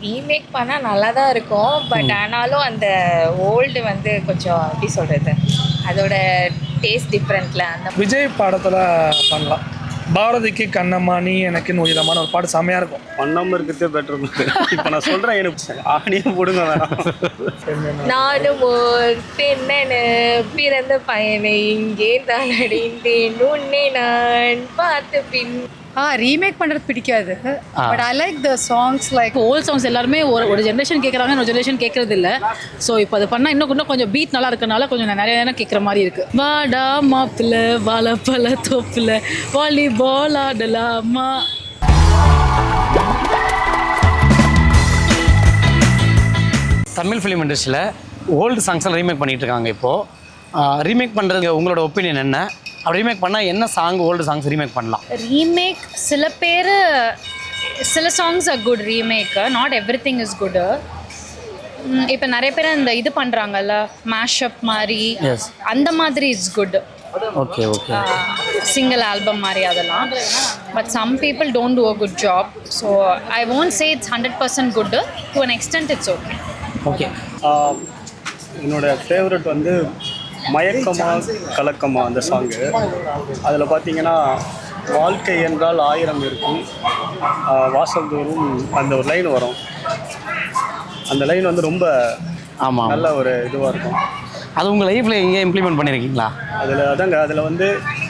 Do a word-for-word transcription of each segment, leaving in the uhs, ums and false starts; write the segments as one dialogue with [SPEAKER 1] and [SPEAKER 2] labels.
[SPEAKER 1] Remake பண்ணால் நல்லா தான் இருக்கும். பட் ஆனாலும் அந்த ஓல்டு வந்து கொஞ்சம் எப்படி சொல்கிறது, அதோட டேஸ்ட் டிஃப்ரெண்ட்டில் அந்த
[SPEAKER 2] விஜய் பாடத்தில் பண்ணலாம். பாரதிக்கு கண்ணம்மா நீ எனக்குன்னு உயிரமான ஒரு பாட்டு செம்மையாக இருக்கும்.
[SPEAKER 3] பண்ணாமல் இருக்கிறதே பெட்டர். இப்போ நான் சொல்கிறேன், எனக்கு ஆணியே போடுங்க வேணாம்.
[SPEAKER 1] நானும் ஓர் பெண்ணனு பிறந்த பயனை இங்கே தான் அடைந்தேன் உன்னை நான் பார்த்து பின்.
[SPEAKER 4] ஆ ரீமேக் பண்ணுறது பிடிக்காது. But I like the songs like old songs எல்லாருமே ஒரு ஒரு ஜென்ரேஷன் கேட்குறாங்க, ஒரு ஜென்ரேஷன் கேட்கறது இல்லை. ஸோ இப்போ அது பண்ணால் இன்னும் இன்னும் கொஞ்சம் பீட் நல்லா இருக்கனால கொஞ்சம் நிறைய நேரம் கேட்குற மாதிரி இருக்குது. வாடா மாப்பிள்ள வாழப்பழ தோப்பில் வாலிபால் ஆடலாமா.
[SPEAKER 5] தமிழ் ஃபிலிம் இண்டஸ்ட்ரியில் ஓல்டு சாங்ஸ் எல்லாம் ரீமேக் பண்ணிகிட்டு இருக்காங்க. இப்போது ரீமேக் பண்ணுறது உங்களோட ஒப்பீனியன் என்ன? அப்படி ரீமேக் பண்ணால் என்ன சாங் ஓல்டு சாங்ஸ் ரீமேக் பண்ணலாம்?
[SPEAKER 6] ரீமேக் சில பேர் சில songs are good remake, not everything is good. இப்போ நிறைய பேர் அந்த இது பண்ணுறாங்கல்ல மேஷப் மாதிரி, அந்த மாதிரி it's good.
[SPEAKER 5] Okay okay
[SPEAKER 6] single album மாதிரி அதெல்லாம். But some people don't do a good job. So I won't say it's hundred percent good. To an extent it's okay.
[SPEAKER 5] Okay
[SPEAKER 3] என்னோட ஃபேவரட் வந்து மயக்கமா கலக்கமா அந்த சாங்கு. அதில் பார்த்தீங்கன்னா வாழ்க்கை என்றால் ஆயிரம் இருக்கும் வாசல்தோறும் அந்த ஒரு லைன் வரும். அந்த லைன் வந்து ரொம்ப
[SPEAKER 5] ஆமாம்
[SPEAKER 3] நல்ல ஒரு இதுவாக இருக்கும்.
[SPEAKER 5] அது உங்கள் லைஃப்பில் எங்கே இம்ப்ளிமெண்ட் பண்ணியிருக்கீங்களா?
[SPEAKER 3] அதில் அதாங்க அதில் வந்து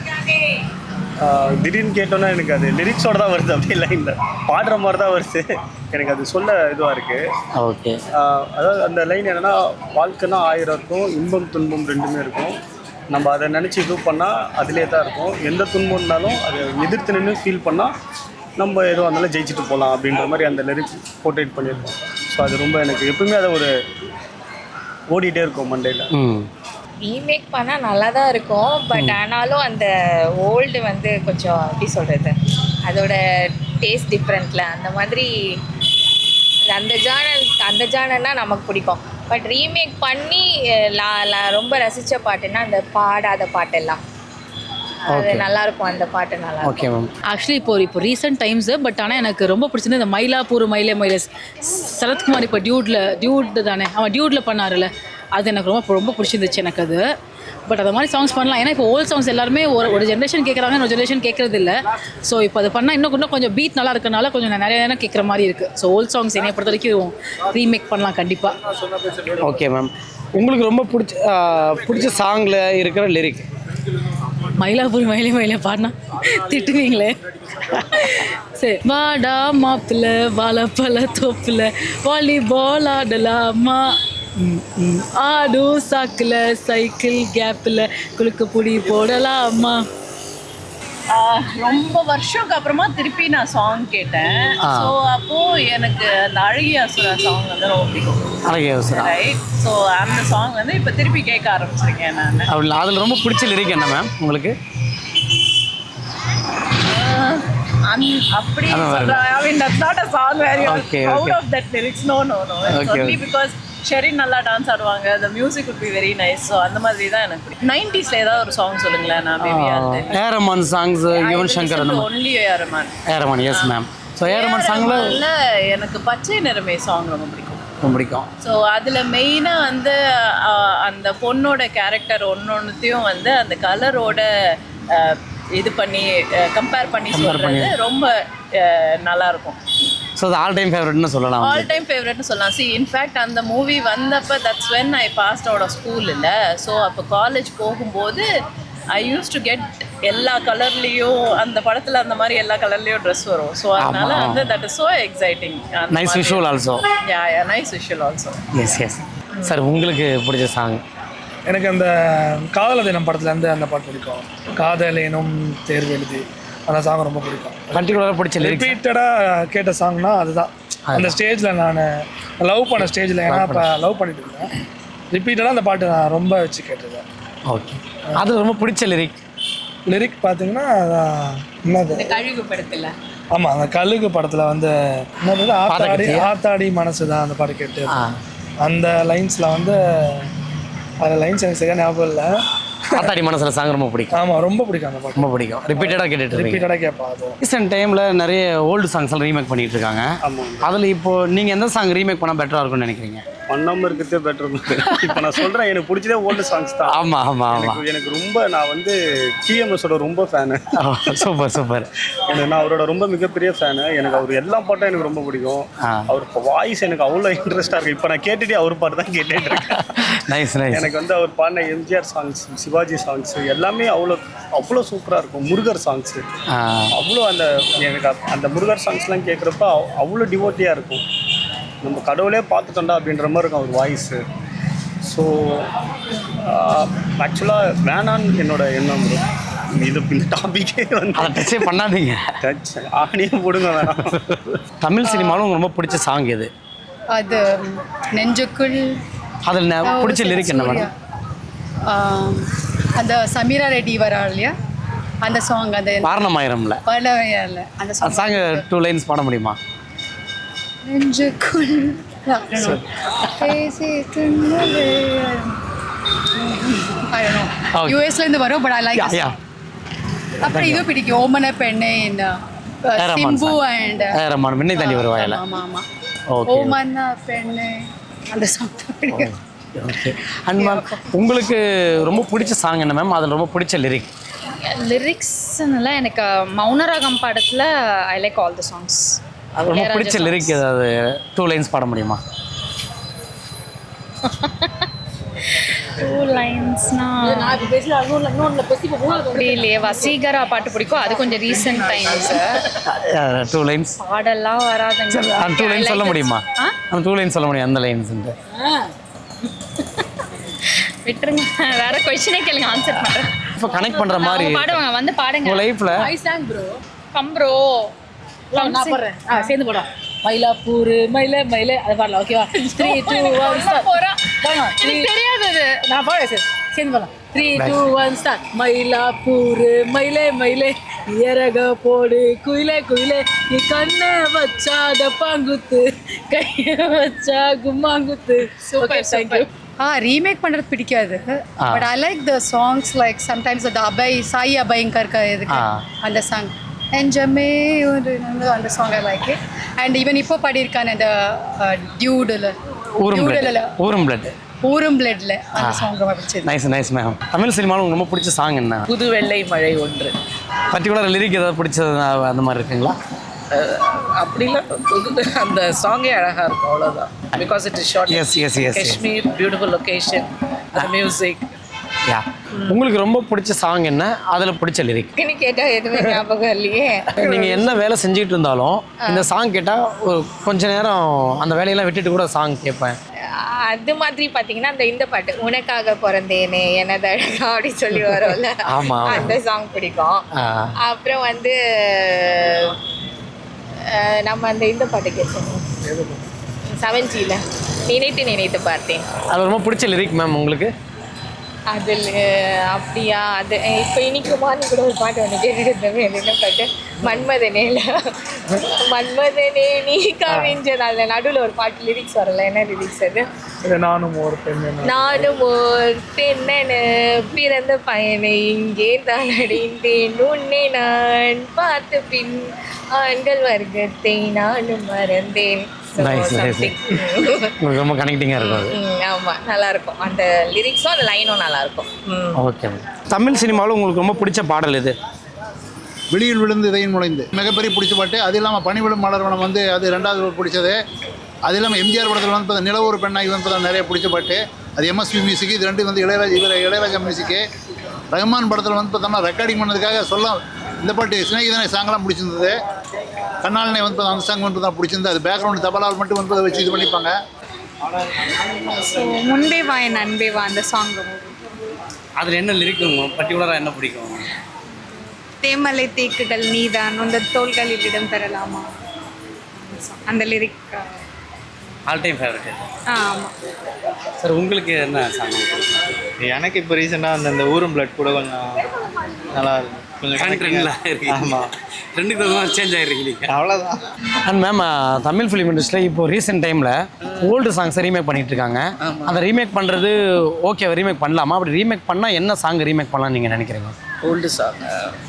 [SPEAKER 3] திடீர்னு கேட்டோன்னா எனக்கு அது லிரிக்ஸோடு தான் வருது, அப்படி லைனில் பாடுற மாதிரி தான் வருது. எனக்கு அது சொல்ல இதுவாக இருக்குது.
[SPEAKER 5] ஓகே,
[SPEAKER 3] அதாவது அந்த லைன் என்னென்னா, வாழ்க்கைன்னா ஆயிரம் இருக்கும், இன்பம் துன்பம் ரெண்டுமே இருக்கும். நம்ம அதை நினச்சி இது பண்ணால் அதிலே தான் இருக்கும். எந்த துன்பம் இருந்தாலும் அதை எதிர்த்து நின்று ஃபீல் பண்ணால் நம்ம எதுவும் இருந்தாலும் ஜெயிச்சுட்டு போகலாம் அப்படின்ற மாதிரி அந்த லிரிக்ஸ் போர்ட்ரேட் பண்ணியிருக்கோம். ஸோ அது ரொம்ப எனக்கு எப்பவுமே அதை ஒரு ஓடிட்டே இருக்கும் மண்டையில்.
[SPEAKER 1] ரீமேக் பண்ணால் நல்லா தான் இருக்கும். பட் ஆனாலும் அந்த ஓல்டு வந்து கொஞ்சம் எப்படி சொல்கிறது, அதோட டேஸ்ட் டிஃப்ரெண்ட்டில் அந்த மாதிரி அந்த ஜானர் அந்த ஜானர்னா நமக்கு பிடிக்கும். பட் ரீமேக் பண்ணி லா லா ரொம்ப ரசித்த பாட்டுன்னா அந்த பாடாத பாட்டெல்லாம் அது நல்லாயிருக்கும். அந்த பாட்டு நல்லா
[SPEAKER 5] ஓகே மேம்.
[SPEAKER 4] ஆக்சுவலி இப்போ இப்போ ரீசெண்ட் டைம்ஸு. பட் ஆனால் எனக்கு ரொம்ப பிடிச்சது இந்த மயிலாப்பூர் மயிலே மயிலே சரத்குமார் இப்போ டியூட்டில் டியூட் தானே அவன் டியூட்டில் பண்ணார்ல, அது எனக்கு ரொம்ப ரொம்ப பிடிச்சிருந்துச்சு எனக்கு அது. பட் அது மாதிரி சாங்ஸ் பண்ணலாம். ஏன்னா இப்போ ஓல்ட் சாங்ஸ் எல்லாருமே ஒரு ஒரு ஜென்ரேஷன் கேட்குறாங்க, ஒரு ஜென்ரேஷன் கேட்குறது இல்லை. ஸோ இப்போ அது பண்ணால் இன்னும் இன்னும் கொஞ்சம் பீட் நல்லா இருக்கனால கொஞ்சம் நிறைய நேரம் கேட்குற மாதிரி இருக்குது. ஸோ ஓல்ட் சாங்ஸ் என்னை பொறுத்த வரைக்கும் ரீமேக் பண்ணலாம் கண்டிப்பாக.
[SPEAKER 5] Okay ma'am. உங்களுக்கு ரொம்ப பிடிச்ச பிடிச்ச சாங்கில் இருக்கிற லிரிக்?
[SPEAKER 4] மயிலாப்பூர் மயிலே மயிலே பாடினா திட்டுவீங்களே. சரி, வாடா மாப்பிள்ள வாழப்பழ தோப்பில் வாலிபால் ஆடலாமா, ஆடும் சாக்கில் சைக்கிள் கேப்பில் குலுக்க புடி போடலாமா.
[SPEAKER 7] ரொம்ப வருஷத்துக்கு அப்புறமா திருப்பி நான் சாங் கேட்டேன். ஸோ அப்போது எனக்கு அந்த அழகிய அசுரா சாங் வந்து ரொம்ப பிடிக்கும்.
[SPEAKER 5] அழகிய அசுரா, ரைட்.
[SPEAKER 7] ஸோ அந்த சாங் வந்து இப்போ திருப்பி கேட்க ஆரம்பிச்சிருக்கேன் நான்.
[SPEAKER 5] அப்படி அதில் ரொம்ப பிடிச்ச லிரிக் என்ன மேம் உங்களுக்கு?
[SPEAKER 7] அப்படி சொல்கிறேன். I mean that's not a song where you are proud of that lyrics. No no no it's only because Sherin நல்லா டான்ஸ் ஆடுவாங்க, the music would be very nice. So அந்த மாதிரி தான் எனக்கு பிடிக்கும். நைன்டிஸில் ஏதாவது ஒரு சாங் சொல்லுங்களேன். நான் பேபி ஆல்து
[SPEAKER 5] ஏ ரஹ்மான் சாங்ஸ், யுவன் சங்கர் அந்த மாதிரி.
[SPEAKER 7] Only A Rahman.
[SPEAKER 5] A Rahman, yes ma'am. So A Rahman சாங்கில்
[SPEAKER 7] எனக்கு பச்சை நிறமே சாங் ரொம்ப பிடிக்கும்.
[SPEAKER 5] ரொம்ப பிடிக்கும்.
[SPEAKER 7] ஸோ அதில் மெயினாக வந்து அந்த பொண்ணோட கேரக்டர் ஒன்று ஒன்றுத்தையும் வந்து அந்த கலரோட இது பண்ணி கம்பேர் பண்ணி சொல்கிறது ரொம்ப நல்லாயிருக்கும்.
[SPEAKER 5] ஸோ அது ஆல் டைம் ஃபேவரட்னு சொல்லலாம்.
[SPEAKER 7] ஆல் டைம் ஃபேவரட்னு சொல்லலாம். சி இன்ஃபேக்ட் அந்த மூவி வந்தப்போ that's when I passed out of school இல்லை. ஸோ அப்போ காலேஜ் போகும்போது ஐ யூஸ் டு கெட் எல்லா கலர்லேயும் அந்த படத்தில் அந்த மாதிரி எல்லா கலர்லேயும் ட்ரெஸ் வரும். ஸோ அதனால வந்து that is so exciting.
[SPEAKER 5] Nice visual also.
[SPEAKER 7] Yeah yeah nice visual also.
[SPEAKER 5] Yes yes. Sir உங்களுக்கு பிடிச்ச சாங்?
[SPEAKER 2] எனக்கு அந்த காதல் தினம் படத்துலேருந்து அந்த பாட்டு பிடிக்கும். காதல் எனும் தேர்வு எழுதி அந்த சாங் ரொம்ப பிடிக்கும்.
[SPEAKER 5] பர்டிகுலராக பிடிச்ச
[SPEAKER 2] ரிப்பீட்டடாக கேட்ட சாங்னா அதுதான். அந்த ஸ்டேஜில் நான் லவ் பண்ண ஸ்டேஜில், ஏன்னா இப்போ லவ் பண்ணிட்டு இருக்கேன், ரிப்பீட்டடாக அந்த பாட்டு நான் ரொம்ப வச்சு கேட்டிருக்கேன்.
[SPEAKER 5] ஓகே. அது ரொம்ப பிடிச்ச லிரிக்
[SPEAKER 2] லிரிக் பார்த்தீங்கன்னா என்னது,
[SPEAKER 7] கழுகு படத்தில்.
[SPEAKER 2] ஆமாம், அந்த கழுகு படத்தில் வந்து என்னது ஆத்தாடி ஆத்தாடி மனசு தான் அந்த பாட்டு கேட்டு அந்த லைன்ஸில் வந்து அந்த லைன்ஸ் எனக்கு சரியாக ஞாபகம் இல்லை.
[SPEAKER 5] காத்தாடி மனசுல சாங் ரொம்ப பிடிக்கும்.
[SPEAKER 2] ஆமாம், ரொம்ப பிடிக்கும் அந்த பாட்டு.
[SPEAKER 5] ரொம்ப பிடிக்கும். ரிப்பீட்டடாக கேட்டுட்டு இருக்கீங்க.
[SPEAKER 2] ரிப்பீட்டடாக கேட்பேன் அது.
[SPEAKER 5] ரீசெண்ட் டைமில் நிறைய ஓல்டு சாங்ஸ் எல்லாம் ரீமேக் பண்ணிட்டு இருக்காங்க. அதில் இப்போ நீங்கள் எந்த சாங் ரீமேக் பண்ணால் பெட்டராக இருக்கும்னு நினைக்கிறீங்க?
[SPEAKER 3] பண்ணாமல் இருக்கிறதே பெட்டர். இப்போ நான் சொல்கிறேன், எனக்கு பிடிச்சதே ஓல்டு சாங்ஸ் தான்.
[SPEAKER 5] ஆமாம் ஆமாம் ஆமாம்.
[SPEAKER 3] எனக்கு ரொம்ப நான் வந்து டிஎம்எஸோட ரொம்ப ஃபேனு.
[SPEAKER 5] Super super.
[SPEAKER 3] எனக்கு நான் அவரோட ரொம்ப மிகப்பெரிய ஃபேனு. எனக்கு அவர் எல்லா பாட்டும் எனக்கு ரொம்ப பிடிக்கும். அவர் வாய்ஸ் எனக்கு அவ்வளோ இன்ட்ரெஸ்டாக இருக்குது. இப்போ நான் கேட்டுகிட்டே அவர் பாட்டு தான் கேட்டுட்டு இருக்கேன்.
[SPEAKER 5] Nice nice.
[SPEAKER 3] எனக்கு வந்து அவர் பாடின எம்ஜிஆர் சாங்ஸ், சிவாஜி சாங்ஸ் எல்லாமே அவ்வளோ அவ்வளோ சூப்பராக இருக்கும். முருகர் சாங்ஸு அவ்வளோ அந்த எனக்கு அந்த முருகர் சாங்ஸ்லாம் கேட்குறப்ப அவ்வளோ டிவோட்டியாக இருக்கும். நம்ம கடவுளே பார்த்துட்டோண்டா அப்படின்ற மாதிரி இருக்கும் அவர் வாய்ஸு. ஸோ ஆக்சுவலாக வேணான்னு என்னோட எண்ணம் வரும். இது இந்த டாப்பிக்கே வந்து
[SPEAKER 5] அதை டச்சே பண்ணாதீங்க.
[SPEAKER 3] டச் ஆணியே போடுங்க வேணாம்.
[SPEAKER 5] தமிழ் சினிமாவில் உங்களுக்கு ரொம்ப பிடிச்ச சாங் எது?
[SPEAKER 8] அது நெஞ்சுக்குள்.
[SPEAKER 5] அதில் பிடிச்ச லிரிக் என்ன மேடம்?
[SPEAKER 8] அந்த சமீரா ரெட்டி வரா இல்லையா அந்த சாங். அந்த
[SPEAKER 5] பாரணமாயிரம்ல
[SPEAKER 8] பாரணமாயிரம்ல அந்த
[SPEAKER 5] அந்த சாங் டூ லைன்ஸ் பாட முடியுமா?
[SPEAKER 8] நெஞ்சுக்குள் பேசி தின்னவே. I don't know. யூஎஸ்ல இருந்து வரும், பட் ஐ லைக்.
[SPEAKER 5] யா.
[SPEAKER 8] அப்புறம் இது பிடிக்கும், ஓமன பெண்ணே இந்த சிம்பு அண்ட்
[SPEAKER 5] ரமான் விண்ணை தாண்டி வருவாயில.
[SPEAKER 8] ஆமா ஆமா.
[SPEAKER 5] ஓகே.
[SPEAKER 8] ஓமன பெண்ணே அந்த சாங் பிடிக்கும்.
[SPEAKER 5] ஓகே. அண்ட் மேம் உங்களுக்கு ரொம்ப பிடிச்ச சாங் என்ன மேம்? அதில் ரொம்ப பிடிச்ச லிரிக்?
[SPEAKER 6] லிரிக்ஸ்னால எனக்கு மௌனராகம் படத்தில் I like all the songs.
[SPEAKER 5] அது ரொம்ப பிடிச்ச லிரிக் ஏதாவது டூ லைன்ஸ் பாட முடியுமா?
[SPEAKER 6] டூ லைன்ஸ்னா அப்படி இல்லையே. வசீகரா பாட்டு பிடிக்கும், அது கொஞ்சம் ரீசெண்ட் டைம்ஸ்.
[SPEAKER 5] டூ லைன்ஸ்
[SPEAKER 6] பாடெல்லாம் வராதுங்க.
[SPEAKER 5] அந்த டூ லைன்ஸ் சொல்ல முடியுமா? அந்த டூ லைன்ஸ் சொல்ல முடியும் அந்த லைன்ஸ்ன்ட்டு.
[SPEAKER 6] விட்டுருங்க, வேற கொஸ்டினே கேளுங்க, ஆன்சர் பண்ணுறேன்.
[SPEAKER 5] இப்போ கனெக்ட் பண்ணுற மாதிரி
[SPEAKER 6] பாடுவாங்க, வந்து பாடுங்க.
[SPEAKER 5] உங்கள் லைஃப்பில்
[SPEAKER 4] I song bro.
[SPEAKER 6] Come bro,
[SPEAKER 4] நான் போடுறேன். ஆ சேர்ந்து போடலாம். மயிலாப்பூர் மயிலே மயிலே அதை பாடலாம். ஓகேவா? Three two one start.
[SPEAKER 6] எனக்கு தெரியாது அது.
[SPEAKER 4] நான் பாடுறேன் சார், சேர்ந்து போடலாம். Three two one start. Mylapore மயிலே மயிலே இறக போடு குயிலே குயிலே நீ கண்ணை வச்சா டப்பாங்குத்து கையை வச்சா கும்மாங்குத்து. Okay, thank you.
[SPEAKER 8] ஆ ரீமேக் பண்ணுறது பிடிக்காது, but I like the songs. Like sometimes அந்த அபய் சாய் அபயங்கர் இதுக்கு அந்த சாங் என்ஜமே ஒரு அந்த song I like it. And even இப்போ பாடியிருக்கான அந்த டியூடில் டியூடில்
[SPEAKER 5] ஊரும் பிளட்
[SPEAKER 8] ஊரும் பிளட்ல அந்த சாங் ரொம்ப பிடிச்சது.
[SPEAKER 5] Nice nice ma'am. தமிழ் சினிமாவில் உங்களுக்கு ரொம்ப பிடிச்ச சாங் என்ன?
[SPEAKER 7] புது வெள்ளை மழை ஒன்று.
[SPEAKER 5] பர்டிகுலர் லிரிக் ஏதாவது பிடிச்சது அந்த மாதிரி இருக்குங்களா?
[SPEAKER 7] அப்படிலாம் புது அந்த சாங்கே அழகாக இருக்கும், அவ்வளோதான். Because it is short.
[SPEAKER 5] Yes yes yes
[SPEAKER 7] Kashmir, beautiful location, music.
[SPEAKER 5] Yeah. உங்களுக்கு ரொம்ப பிடிச்ச சாங் என்ன? அதில் பிடிச்ச லிரிக்?
[SPEAKER 1] இன்னைக்கு கேட்டால் எதுவுமே ஞாபகம் இல்லையே.
[SPEAKER 5] நீங்கள் என்ன வேலை செஞ்சுட்டு இருந்தாலும் இந்த சாங் கேட்டால் ஒரு கொஞ்ச நேரம் அந்த வேலையெல்லாம் விட்டுட்டு கூட சாங் கேட்பேன்.
[SPEAKER 1] அது மாதிரி பார்த்தீங்கன்னா அந்த இந்த பாட்டு உனக்காக பிறந்தேனே எனது அழகா அப்படி சொல்லி வரும்ல,
[SPEAKER 5] ஆமாம்,
[SPEAKER 1] அந்த சாங் பிடிக்கும். அப்புறம் வந்து அஹ், நம்ம அந்த இந்த பாட்டு கேட்போம் செவன்ஜியில் நினைத்து நினைத்து பார்த்தேன்.
[SPEAKER 5] அது ரொம்ப பிடிச்ச லிரிக் மேம் உங்களுக்கு?
[SPEAKER 1] அதில் அப்படியா, அது இப்போ இன்னைக்கு மார்னிங் கூட ஒரு பாட்டு ஒன்று கேட்டுருந்தோமே, அது என்ன பாட்டு? மன்மதனேல மன்மதனே நீ கவிஞ்சது. அதில் நடுவில் ஒரு பாட்டு லிரிக்ஸ் வரல, என்ன லிரிக்ஸ் அது?
[SPEAKER 2] நானும் ஒரு பெண்
[SPEAKER 1] நானும் ஒரு பெண்ணனு பிறந்த பையனை இங்கே தான் அடைந்தேன், உன்னை நான் பார்த்த பின் ஆண்கள் வர்க்கத்தை நானும் மறந்தேன்.
[SPEAKER 5] Nice nice. உங்களுக்கு ரொம்ப கனெக்டிங்காக இருக்கும் அது.
[SPEAKER 1] ஆமாம், நல்லாயிருக்கும் அந்த லிரிக்ஸும் அந்த லைனும் நல்லாயிருக்கும்.
[SPEAKER 5] Okay ma'am. தமிழ் சினிமாவில் உங்களுக்கு ரொம்ப பிடிச்ச பாடல் எது?
[SPEAKER 9] வெளியில் விழுந்து இதையும் நுழைந்து மிகப்பெரிய பிடிச்ச பாட்டு. அது இல்லாமல் பனிவிழும் மலர்வனம் வந்து அது ரெண்டாவது பிடிச்சது. அது இல்லாமல் எம்ஜிஆர் படத்தில் வந்து பார்த்தா நிலவொரு பெண்ணாகி வந்து நிறைய பிடிச்ச பாட்டு. அது எம்எஸ்வி மியூசிக். இது ரெண்டு வந்து இளையராஜா இவர் இளையராஜா மியூசிக்கு. ரஹ்மான் படத்தில் வந்து பார்த்தோம்னா ரெக்கார்டிங் பண்ணதுக்காக சொல்ல இந்த பாட்டு சிநேகிதனை சாங்கெல்லாம் பிடிச்சிருந்தது. கண்ணாலனை வந்து அந்த சாங் வந்து தான் பிடிச்சிருந்தது. அது பேக்ரவுண்ட் தபலால் மட்டும் வந்து அதை வச்சு இது பண்ணிப்பாங்க.
[SPEAKER 8] ஸோ முன்பே வா என் அன்பே வா அந்த சாங்
[SPEAKER 5] அதில் என்ன லிரிக் பர்டிகுலராக என்ன பிடிக்கும்?
[SPEAKER 8] தேமலை தேக்குகள் நீதான் அந்த தோள்களில் இடம் தரலாமா அந்த லிரிக்
[SPEAKER 5] ஆல் டைம் ஃபேவரட்.
[SPEAKER 8] ஆமாம்
[SPEAKER 5] சார் உங்களுக்கு என்ன சாங்?
[SPEAKER 10] எனக்கு இப்போ ரீசெண்டாக அந்த இந்த ஊரும் பிளட் கூட கொஞ்சம் நல்லா இருக்கும்.
[SPEAKER 3] ஆமாம்,
[SPEAKER 5] ரெண்டுக்கு தகுந்த சேஞ்ச் ஆகிருக்கீங்க.
[SPEAKER 3] அவ்வளோதான்.
[SPEAKER 5] அண்ட் மேம் தமிழ் ஃபிலிம் இண்டஸ்ட்ரியில் இப்போ ரீசெண்ட் டைமில் ஓல்டு சாங்ஸை ரீமேக் பண்ணிட்டு இருக்காங்க. அந்த ரீமேக் பண்ணுறது ஓகே, ரீமேக் பண்ணலாமா? அப்படி ரீமேக் பண்ணால் என்ன சாங் ரீமேக் பண்ணலாம்னு நீங்கள் நினைக்கிறீங்க?
[SPEAKER 7] ஓல்டு சாங்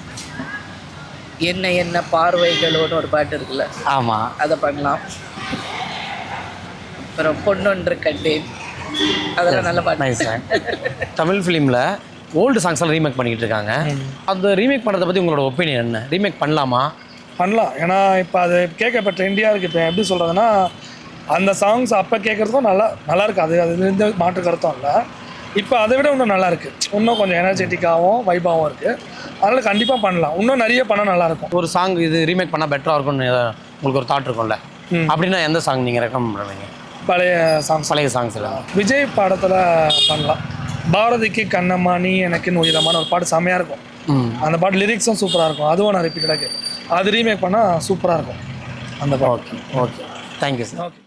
[SPEAKER 7] என்ன என்ன பார்வைகளோன்னு ஒரு பாட்டு இருக்குல்ல,
[SPEAKER 5] ஆமாம்,
[SPEAKER 7] அதை பண்ணலாம். அப்புறம் பொன்னொன்று கண்டேன், அதெல்லாம் நல்ல பாட்டு.
[SPEAKER 5] Nice song. தமிழ் ஃபிலிமில் ஓல்டு சாங்ஸ்லாம் ரீமேக் பண்ணிக்கிட்டு இருக்காங்க. அந்த ரீமேக் பண்ணுறதை பற்றி உங்களோட ஒப்பீனியன் என்ன? ரீமேக் பண்ணலாமா?
[SPEAKER 2] பண்ணலாம். ஏன்னா இப்போ அது கேட்க இப்போ ட்ரெண்டியாக இருக்குது. இப்போ எப்படி சொல்கிறதுனா, அந்த சாங்ஸ் அப்போ கேட்குறதுக்கும் நல்லா நல்லா இருக்குது. அது அது எந்த மாற்று கருத்தும் இல்லை. இப்போ அதை விட இன்னும் நல்லா இருக்குது. இன்னும் கொஞ்சம் எனர்ஜெட்டிக்காகவும் வைபாகவும் இருக்குது. அதனால் கண்டிப்பாக பண்ணலாம். இன்னும் நிறைய பண்ணால் நல்லாயிருக்கும்.
[SPEAKER 5] ஒரு சாங் இது ரீமேக் பண்ணால் பெட்டராக இருக்கும்னு உங்களுக்கு ஒரு தாட் இருக்கும்ல, அப்படின்னா எந்த சாங் நீங்கள் ரெக்கமெண்ட் பண்ணுவீங்க?
[SPEAKER 2] பழைய சாங்ஸ்.
[SPEAKER 5] பழைய சாங்ஸ் இல்லை,
[SPEAKER 2] விஜய் பாடத்தில் பண்ணலாம். பாரதிக்கு கண்ணம்மா நீ எனக்குன்னு உயிரமான ஒரு பாட்டு செம்மையாக இருக்கும். அந்த பாட்டு லிரிக்ஸும் சூப்பராக இருக்கும். அதுவும் நான் ரிப்பீட்டடாக கேட்பேன். அது ரீமேக் பண்ணால் சூப்பராக இருக்கும் அந்த பாட்டு.
[SPEAKER 5] Okay okay, thank you sir.
[SPEAKER 2] Okay.